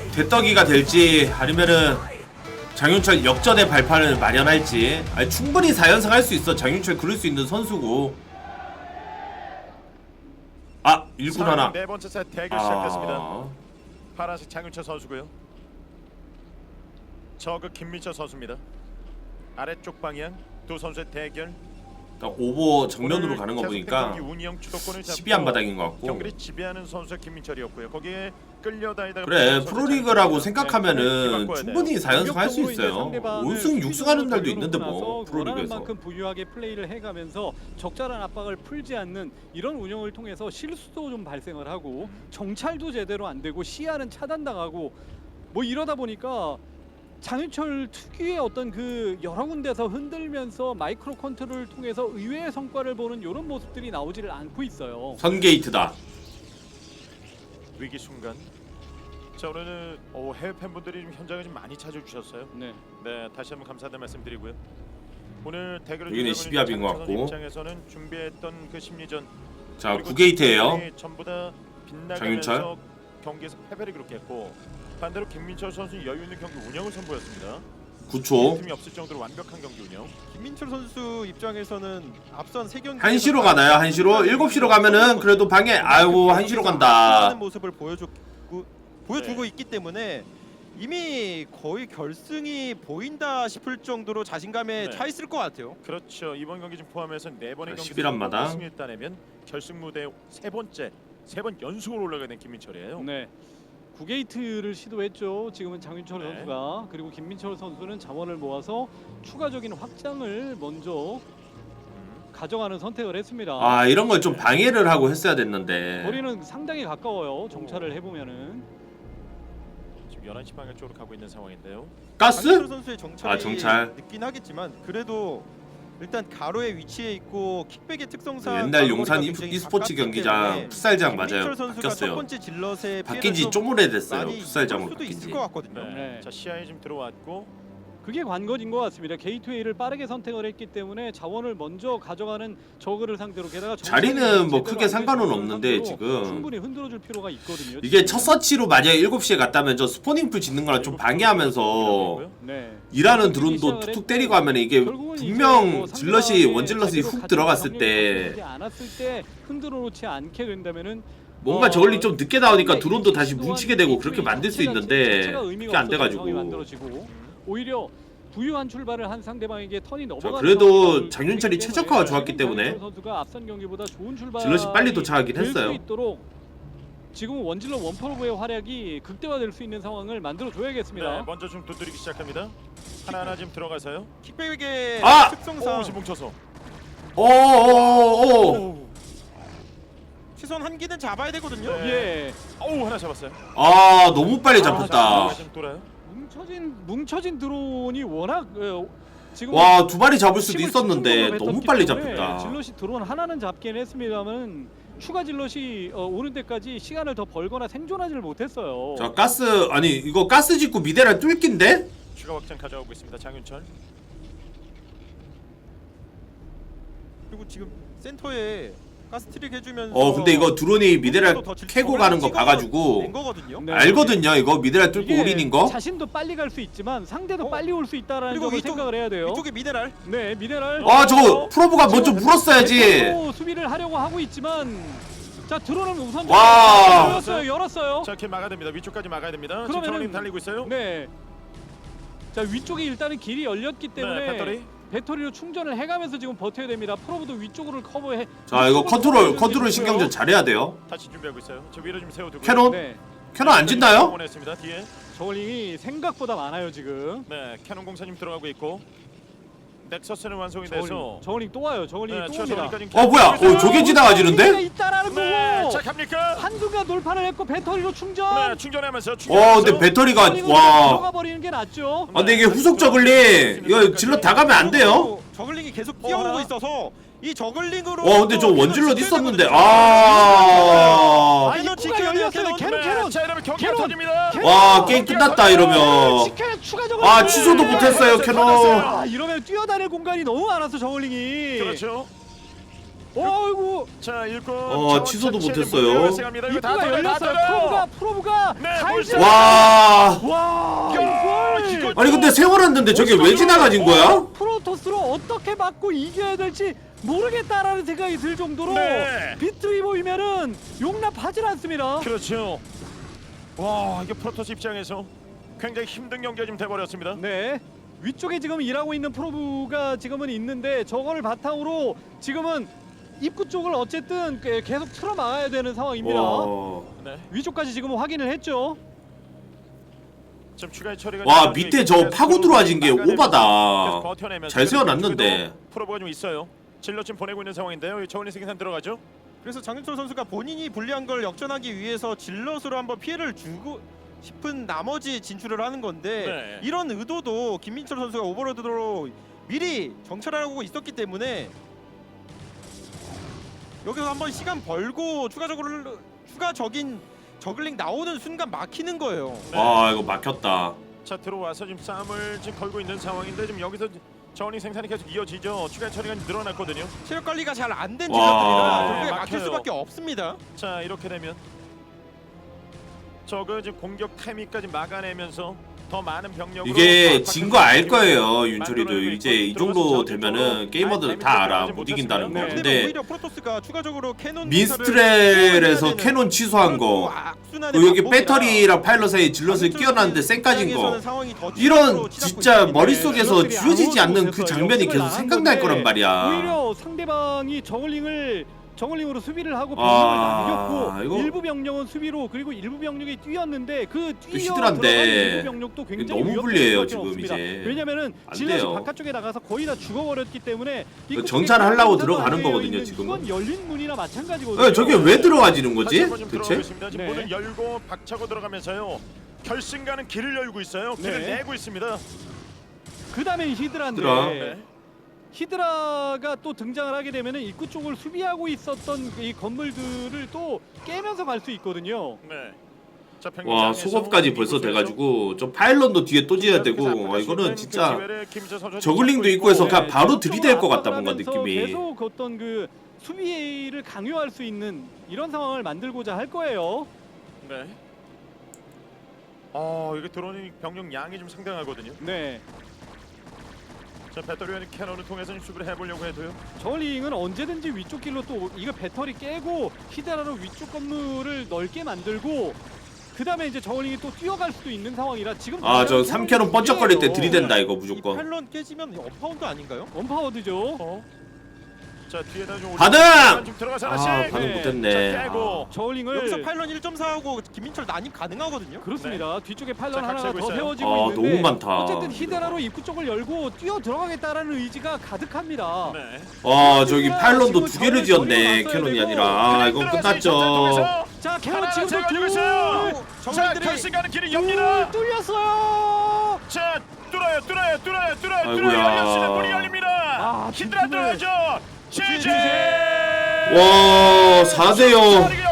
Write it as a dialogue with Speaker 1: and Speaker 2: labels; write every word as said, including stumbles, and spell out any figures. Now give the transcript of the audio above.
Speaker 1: 대떡이가 될지 아니면은 장윤철 역전의 발판을 마련할지. 아니, 충분히 사 연승 할 수 있어. 장윤철 그럴 수 있는 선수고. 아, 일군 하나.
Speaker 2: 네 번째 세트 대결
Speaker 1: 아...
Speaker 2: 시작됐습니다. 파란색 장윤철 선수고요. 저그 김민철 선수입니다. 아래쪽 방향 두 선수의 대결.
Speaker 1: 딱 오버 정면으로 가는 거 보니까 십이 한 바닥인 것 같고.
Speaker 2: 경기를 지배하는 선수 김민철이었고요. 거기에 끌려다니다가
Speaker 1: 그래, 프로리그라고 생각하면은 충분히 사 연승 할 수 있어요. 오 승 육 승 하는 날도 있는데 뭐 프로리그에서.
Speaker 3: 만큼 부유하게 플레이를 해가면서 적절한 압박을 풀지 않는 이런 운영을 통해서 실수도 좀 발생을 하고 정찰도 제대로 안 되고 시야는 차단당하고 뭐 이러다 보니까 장윤철 특유의 어떤 그 여러 군데서 흔들면서 마이크로 컨트롤을 통해서 의외의 성과를 보는 이런 모습들이 나오지를 않고 있어요.
Speaker 1: 선게이트다.
Speaker 2: 위기 순간. 자, 오늘은 오, 해외 팬분들이 좀 현장에 좀 많이 찾아주셨어요.
Speaker 3: 네.
Speaker 2: 네, 다시 한번 감사하다는 말씀드리고요. 오늘 대결을
Speaker 1: 여기는 십이 합인 것 같고.
Speaker 2: 입장에서는 준비했던 그 심리전.
Speaker 1: 자, 구 게이트예요.
Speaker 2: 전부 다 빗나가면서
Speaker 1: 장윤철.
Speaker 2: 경기에서 패배를 기록했고 반대로 김민철 선수 여유 있는 경기 운영을 선보였습니다.
Speaker 1: 구 초.
Speaker 2: 팀이 없을 정도로 완벽한 경기 운영.
Speaker 4: 김민철 선수 입장에서는 앞선 세 경기
Speaker 1: 한 시로 가나요? 한 시로? 일곱 시로 가면은 그래도 방해. 아이고, 한 시로 간다.
Speaker 4: 하는 모습을 보여주고 보여주고
Speaker 2: 네.
Speaker 4: 있기 때문에 이미 거의 결승이 보인다 싶을 정도로 자신감에
Speaker 2: 네.
Speaker 4: 차 있을 것 같아요.
Speaker 2: 그렇죠. 이번 경기 좀 포함해서 네 번의 경기
Speaker 1: 십일 합마다.
Speaker 2: 승리를 따내면 결승 무대 세 번째 세 번 연속으로 올라가게 된 김민철이에요.
Speaker 3: 네. 구 게이트를 시도했죠. 지금은 장윤철
Speaker 2: 네.
Speaker 3: 선수가. 그리고 김민철 선수는 자원을 모아서 추가적인 확장을 먼저
Speaker 2: 음.
Speaker 3: 가져가는 선택을 했습니다.
Speaker 1: 아, 이런 걸 좀 방해를 하고 했어야 됐는데.
Speaker 3: 거리는 상당히 가까워요. 정찰을 해보면은.
Speaker 2: 지금 열한 시 방향 쪽으로 가고 있는 상황인데요.
Speaker 1: 가스?
Speaker 4: 장윤철 선수의 정찰이
Speaker 1: 아, 정찰.
Speaker 4: 늦긴 하겠지만 그래도 일단 가로에 위치해 있고 킥백의 특성상
Speaker 1: 옛날
Speaker 4: 가로거리가
Speaker 1: 용산 이-
Speaker 4: 굉장히
Speaker 1: e스포츠
Speaker 4: 가깝기
Speaker 1: 경기장
Speaker 4: 때문에
Speaker 1: 풋살장
Speaker 4: 김민철
Speaker 1: 맞아요.
Speaker 4: 선수가 첫
Speaker 1: 바뀌었어요.
Speaker 4: 번째 질럿에
Speaker 1: 바뀐 지
Speaker 4: 피해를
Speaker 1: 좀 오래됐어요.
Speaker 4: 많이
Speaker 1: 풋살장으로
Speaker 4: 볼 수도
Speaker 1: 바뀐
Speaker 4: 있을
Speaker 1: 지.
Speaker 4: 것 같거든요.
Speaker 2: 네.
Speaker 3: 네.
Speaker 2: 자, 시야에 지금 들어왔고
Speaker 3: 그게 관건인 것 같습니다. 게이트웨이를 빠르게 선택을 했기 때문에 자원을 먼저 가져가는 저그를 상대로 게다가
Speaker 1: 자리는 뭐
Speaker 3: 제대로
Speaker 1: 크게
Speaker 3: 안
Speaker 1: 상관은
Speaker 3: 되는
Speaker 1: 없는데
Speaker 3: 상태로
Speaker 1: 지금
Speaker 3: 충분히 흔들어줄 필요가 있거든요.
Speaker 1: 이게
Speaker 3: 지금.
Speaker 1: 첫 서치로 만약에 일곱 시에 갔다면 저 스포닝풀 짓는 거랑 좀 방해하면서
Speaker 3: 네.
Speaker 1: 일하는 드론도 툭툭 때리고 하면 이게
Speaker 3: 결국은 이제
Speaker 1: 분명
Speaker 3: 뭐
Speaker 1: 질럿이
Speaker 3: 상대방의
Speaker 1: 원질럿이
Speaker 3: 자리로
Speaker 1: 훅
Speaker 3: 가져온
Speaker 1: 들어갔을
Speaker 3: 병력이
Speaker 1: 때
Speaker 3: 갖춰지지 않았을 때 흔들어 놓지 않게 된다면은
Speaker 1: 뭔가
Speaker 3: 어,
Speaker 1: 저울이 좀 늦게 나오니까
Speaker 3: 상대
Speaker 1: 드론도 다시
Speaker 3: 또한
Speaker 1: 뭉치게 되고
Speaker 3: 게이트웨이
Speaker 1: 그렇게 만들 수
Speaker 3: 자체가-
Speaker 1: 있는데
Speaker 3: 자체가
Speaker 1: 그게
Speaker 3: 의미가
Speaker 1: 안
Speaker 3: 없었던 상황이
Speaker 1: 돼가지고.
Speaker 3: 만들어지고 오히려 부유한 출발을 한 상대방에게 턴이 넘어가는
Speaker 1: 그래도
Speaker 3: 상황이
Speaker 1: 장윤철이
Speaker 3: 되기
Speaker 1: 최적화가
Speaker 3: 때문에
Speaker 1: 좋았기 때문에
Speaker 3: 장윤철 선수가 앞선 경기보다 좋은 출발
Speaker 1: 질럿이 빨리 도착하긴 했어요.
Speaker 3: 있도록 지금 원질럿 원퍼로브의 활약이 극대화될 수 있는 상황을 만들어 줘야겠습니다.
Speaker 2: 네, 먼저 좀 두드리기 시작합니다. 하나하나 지금 들어가서요.
Speaker 4: 킥백의
Speaker 1: 아!
Speaker 4: 특성상
Speaker 2: 오, 지금 뭉쳐서.
Speaker 1: 오오오.
Speaker 4: 시선 한 기는 잡아야 되거든요.
Speaker 2: 네.
Speaker 3: 예.
Speaker 2: 오, 하나 잡았어요.
Speaker 1: 아, 너무 빨리
Speaker 2: 아,
Speaker 1: 잡혔다.
Speaker 2: 자, 지금 돌아요.
Speaker 3: 뭉쳐진 뭉쳐진 드론이 워낙 어, 지금
Speaker 1: 와, 두 마리 잡을 수도
Speaker 3: 힘을
Speaker 1: 있었는데
Speaker 3: 집중적으로
Speaker 1: 너무
Speaker 3: 뱉었기
Speaker 1: 빨리
Speaker 3: 때문에
Speaker 1: 잡혔다.
Speaker 3: 질럿이 드론 하나는 잡긴 했습니다만 추가 질럿이 어, 오는 데까지 시간을 더 벌거나 생존하지를 못했어요.
Speaker 1: 자, 가스 아니 이거 가스 짓고 미대랑 뚫긴데?
Speaker 2: 추가 확장 가져오고 있습니다. 장윤철.
Speaker 4: 그리고 지금 센터에 가스트릭 해주면서
Speaker 1: 어, 근데 이거 드론이 미대랑
Speaker 4: 더 질-
Speaker 1: 캐고
Speaker 4: 저걸
Speaker 1: 가는 거
Speaker 4: 찍어서
Speaker 1: 봐가지고
Speaker 4: 낸 거거든요.
Speaker 3: 네.
Speaker 1: 알거든요. 이거 미대랑 뚫고
Speaker 3: 이게
Speaker 1: 올인인 거.
Speaker 3: 자신도 빨리 갈 수 있지만 상대도
Speaker 4: 어?
Speaker 3: 빨리 올 수 있다라는
Speaker 4: 그리고
Speaker 3: 점을
Speaker 4: 위쪽-
Speaker 3: 생각을 해야 돼요.
Speaker 4: 이쪽에 미네랄.
Speaker 3: 네, 미네랄.
Speaker 1: 아, 저거 프로브가 먼저
Speaker 3: 지금
Speaker 1: 물었어야지.
Speaker 3: 대표로 수비를 하려고 하고 있지만 자 드론은 우선
Speaker 1: 와.
Speaker 3: 열었어요, 열었어요.
Speaker 2: 자, 이렇게 막아야 됩니다. 위쪽까지 막아야 됩니다. 지금
Speaker 3: 그러면은-
Speaker 2: 정원님 달리고 있어요.
Speaker 3: 네. 자 위쪽에 일단은 길이 열렸기 때문에
Speaker 2: 네, 배터리.
Speaker 3: 배터리로 충전을 해가면서 지금 버텨야 됩니다. 프로브도 위쪽으를 커버해.
Speaker 1: 자, 이거
Speaker 3: 위쪽으로
Speaker 1: 컨트롤
Speaker 3: 커버해주고
Speaker 1: 컨트롤
Speaker 3: 있고요.
Speaker 1: 신경전 잘해야 돼요.
Speaker 2: 다시 준비하고 있어요. 저 위로 좀 세워두고.
Speaker 1: 캐논
Speaker 3: 네.
Speaker 1: 캐논 안 짓나요?
Speaker 2: 원했습니다. 뒤에.
Speaker 3: 저울링이 생각보다 많아요 지금.
Speaker 2: 네, 캐논 공사님 들어가고 있고. 넥서스는 완성이
Speaker 3: 저울링,
Speaker 2: 돼서.
Speaker 3: 저울링 또 와요. 저울링
Speaker 2: 네,
Speaker 3: 또
Speaker 2: 최소
Speaker 3: 옵니다.
Speaker 2: 여기까지
Speaker 1: 어, 뭐야?
Speaker 2: 캐논
Speaker 1: 어, 저게
Speaker 2: 공사.
Speaker 1: 지나가지는데?
Speaker 3: 저울링이 있다라는
Speaker 2: 네,
Speaker 3: 거고.
Speaker 2: 자 갑니까?
Speaker 3: 한순간 돌파를 했고 배터리로 충전.
Speaker 2: 네, 충전하면서.
Speaker 1: 어,
Speaker 2: 충전하면서.
Speaker 1: 근데 배터리가
Speaker 3: 저울링은
Speaker 1: 와.
Speaker 3: 들어가 버리는 게 낫죠.
Speaker 1: 아, 근데 이게 후속 저글링 이거 질러 다 가면 안 돼요?
Speaker 4: 저글링이 계속
Speaker 2: 어,
Speaker 4: 뛰어오고
Speaker 2: 하나?
Speaker 4: 있어서 이 저글링으로.
Speaker 1: 와, 근데 저
Speaker 4: 캐논
Speaker 1: 원질럿
Speaker 4: 지켜야
Speaker 1: 있었는데
Speaker 4: 되거든요.
Speaker 1: 아.
Speaker 3: 아,
Speaker 4: 캐논
Speaker 3: 입구가
Speaker 4: 지켜야 돼요,
Speaker 3: 열렸어요.
Speaker 4: 캐논.
Speaker 3: 캐논 캐논.
Speaker 2: 네, 자, 이러면 경기가
Speaker 3: 캐논.
Speaker 2: 터집니다.
Speaker 3: 캐논.
Speaker 1: 와, 게임 끝났다 이러면.
Speaker 3: 지켜야 추가적으로.
Speaker 1: 아, 취소도 못했어요, 캐논.
Speaker 3: 아, 이러면 뛰어다닐 공간이 너무 많아서 저울링이.
Speaker 2: 그렇죠.
Speaker 3: 어이구
Speaker 2: 자 일꾼.
Speaker 1: 어,
Speaker 2: 자원
Speaker 1: 취소도
Speaker 2: 자체는
Speaker 1: 못했어요.
Speaker 2: 문제가 발생합니다. 이거 다
Speaker 3: 입구가
Speaker 2: 닫아요, 다
Speaker 3: 열렸어요.
Speaker 2: 닫아요.
Speaker 3: 프로브가 프로브가
Speaker 2: 네,
Speaker 3: 잘
Speaker 2: 벌써-
Speaker 3: 지-
Speaker 1: 와.
Speaker 3: 와
Speaker 2: 야,
Speaker 3: 이걸
Speaker 2: 이거
Speaker 1: 아니 근데 세월았는데 저게 왜 지나가진 거야?
Speaker 3: 프로토스로 어떻게 막고 이겨야 될지 모르겠다라는 생각이 들 정도로
Speaker 2: 네.
Speaker 3: 비트위보이면은 용납하질 않습니다.
Speaker 2: 그렇죠. 와 이게 프로토스 입장에서 굉장히 힘든 경기가 지금 돼버렸습니다.
Speaker 3: 네. 위쪽에 지금 일하고 있는 프로브가 지금은 있는데 저거를 바탕으로 지금은 입구 쪽을 어쨌든 그- 계속 틀어 막아야 되는 상황입니다.
Speaker 1: 와,
Speaker 2: 네.
Speaker 3: 위쪽까지 지금 확인을 했죠.
Speaker 2: 지금 추가 처리가
Speaker 1: 와
Speaker 2: 좀
Speaker 1: 밑에
Speaker 2: 있어서
Speaker 1: 저 파고 들어와진 게
Speaker 2: 계속
Speaker 1: 오바다.
Speaker 2: 버텨내면서
Speaker 1: 잘 세워놨는데.
Speaker 2: 프로브가 좀 있어요. 질러 지금 보내고 있는 상황인데요. 저울링 생산 들어가죠.
Speaker 4: 그래서 장윤철 선수가 본인이 불리한 걸 역전하기 위해서 질럿으로 한번 피해를 주고 싶은 나머지 진출을 하는 건데
Speaker 2: 네.
Speaker 4: 이런 의도도 김민철 선수가 오버로드로 미리 정찰하고 있었기 때문에 여기서 한번 시간 벌고 추가적으로 추가적인 저글링 나오는 순간 막히는 거예요.
Speaker 1: 와 이거 막혔다.
Speaker 2: 자 들어와서 지금 싸움을 지금 걸고 있는 상황인데 지금 여기서 저울링 생산이 계속 이어지죠. 추가 처리가 좀 늘어났거든요.
Speaker 4: 체력 관리가 잘 안 된
Speaker 1: 와.
Speaker 4: 질럿들이라 결국에
Speaker 2: 네,
Speaker 4: 막힐
Speaker 2: 막혀요.
Speaker 4: 수밖에 없습니다.
Speaker 2: 자 이렇게 되면 저거 지금 공격 타이밍까지 막아내면서 더 많은 병력으로
Speaker 1: 이게 진 거 알 거예요
Speaker 2: 만들어내고
Speaker 1: 윤철이도.
Speaker 2: 있고
Speaker 1: 이제 이 정도
Speaker 2: 들어가서
Speaker 1: 되면은
Speaker 2: 저쪽으로
Speaker 1: 게이머들
Speaker 2: 아예
Speaker 1: 다 알아
Speaker 2: 재밌게
Speaker 1: 못 이긴다는 거.
Speaker 3: 네.
Speaker 4: 근데
Speaker 1: 근데
Speaker 4: 오히려 프로토스가 추가적으로 캐논
Speaker 1: 민스트렐에서 캐논 취소한 거, 그 여기 배터리랑 파일럿 사이에 질럿을 끼워놨는데 쌩까진 거, 이런 진짜 머릿속에서
Speaker 3: 질럿들이
Speaker 1: 지워지지
Speaker 3: 아무것도
Speaker 1: 않는 그
Speaker 3: 못했어요.
Speaker 1: 장면이
Speaker 3: 역습을
Speaker 1: 계속
Speaker 3: 나간
Speaker 1: 생각날
Speaker 3: 건데
Speaker 1: 거란 말이야.
Speaker 3: 오히려 상대방이 저글링을 정글링으로 수비를 하고 병력을
Speaker 1: 아,
Speaker 3: 남겼고
Speaker 1: 이거-
Speaker 3: 일부 병력은 수비로 그리고 일부 병력이 뛰었는데 그 뛰어
Speaker 1: 히드라인데
Speaker 3: 들어간 일부 병력도 굉장히
Speaker 1: 너무
Speaker 3: 위협될
Speaker 1: 불리해요,
Speaker 3: 수밖에
Speaker 1: 지금
Speaker 3: 없습니다.
Speaker 1: 이제.
Speaker 3: 왜냐면은
Speaker 1: 안
Speaker 3: 질럿이
Speaker 1: 돼요.
Speaker 3: 바깥쪽에 나가서 거의 다 죽어버렸기 때문에
Speaker 1: 이거
Speaker 3: 입구
Speaker 1: 정찰하려고
Speaker 3: 쪽에
Speaker 1: 들어가는
Speaker 3: 되어
Speaker 1: 거거든요,
Speaker 3: 있는
Speaker 1: 지금은.
Speaker 3: 이건 열린 문이나 마찬가지거든요.
Speaker 1: 어, 저게 왜 들어가지는 거지?
Speaker 2: 지금 들어가고
Speaker 1: 대체?
Speaker 2: 있습니다. 지금
Speaker 3: 네.
Speaker 2: 문을 열고 박차고 들어가면서요. 결승 가는 길을 열고 있어요. 길을
Speaker 3: 네.
Speaker 2: 내고 있습니다.
Speaker 3: 그 다음에 히드라인데
Speaker 1: 히드라.
Speaker 2: 네.
Speaker 3: 히드라가 또 등장을 하게 되면은 입구 쪽을 수비하고 있었던 이 건물들을 또 깨면서 갈 수 있거든요.
Speaker 2: 네. 자,
Speaker 1: 와
Speaker 2: 병력장에서
Speaker 1: 속업까지 벌써
Speaker 2: 이곳에서
Speaker 1: 돼가지고 좀 파일럿도 뒤에 또 지어야 되고 와, 이거는 진짜 저글링도 있고 해서 그냥 바로 들이댈 것 같다 뭔가
Speaker 3: 압박하면서
Speaker 1: 느낌이.
Speaker 3: 계속 어떤 그 수비를 강요할 수 있는 이런 상황을 만들고자 할 거예요.
Speaker 2: 네. 어, 이게 들어오는 병력 양이 좀 상당하거든요.
Speaker 3: 네.
Speaker 2: 자, 배터리와 캐논을 통해서 좀 수비를 해보려고 해도요.
Speaker 3: 저울링은 언제든지 위쪽 길로 또 이거 배터리 깨고 히드라로 위쪽 건물을 넓게 만들고 그 다음에 이제 저울링이 또 뛰어갈 수도 있는 상황이라 지금
Speaker 1: 아 저 삼 캐논 번쩍거릴 때
Speaker 3: 요
Speaker 1: 들이댄다 이거
Speaker 4: 이
Speaker 1: 무조건.
Speaker 4: 펠런 깨지면 업파운드 아닌가요?
Speaker 3: 원파워드죠.
Speaker 2: 어. 자, 뒤에다 좀
Speaker 1: 반응!
Speaker 2: 올리고 좀 들어가서
Speaker 1: 아
Speaker 2: 하나씩.
Speaker 1: 반응
Speaker 3: 네.
Speaker 1: 못했네.
Speaker 2: 자, 깨고.
Speaker 1: 아.
Speaker 3: 저울링을
Speaker 4: 여기서 파일런 일 점 사하고 김민철 난입 가능하거든요.
Speaker 3: 그렇습니다. 뒤쪽에 팔런
Speaker 2: 자, 각
Speaker 3: 하나가
Speaker 2: 세고
Speaker 3: 더
Speaker 2: 있어요.
Speaker 3: 세워지고
Speaker 1: 아,
Speaker 3: 있는데
Speaker 1: 너무 많다.
Speaker 3: 어쨌든 히드라로 입구 쪽을 열고 뛰어 들어가겠다라는 의지가 가득합니다.
Speaker 2: 네.
Speaker 1: 와 저기 파일럿도 두 개를 지었네 캐논이 아니라. 아 이건 끝났죠.
Speaker 3: 자, 캐논
Speaker 2: 하나
Speaker 3: 지금도
Speaker 2: 제거되고
Speaker 3: 둘,
Speaker 2: 있어요. 자,
Speaker 4: 정글들이
Speaker 2: 결승 가는 길이
Speaker 3: 둘
Speaker 2: 엽니다.
Speaker 3: 뚫렸어요.
Speaker 2: 자, 뚫어요, 뚫어요, 뚫어요, 뚫어요, 뚫어요.
Speaker 1: 아이고야.
Speaker 2: 열렸습니다. 문이 열립니다.
Speaker 3: 아,
Speaker 2: 히드라
Speaker 3: 뒷부분을-
Speaker 2: 들어가죠. 지지.
Speaker 1: 와 사 대 영.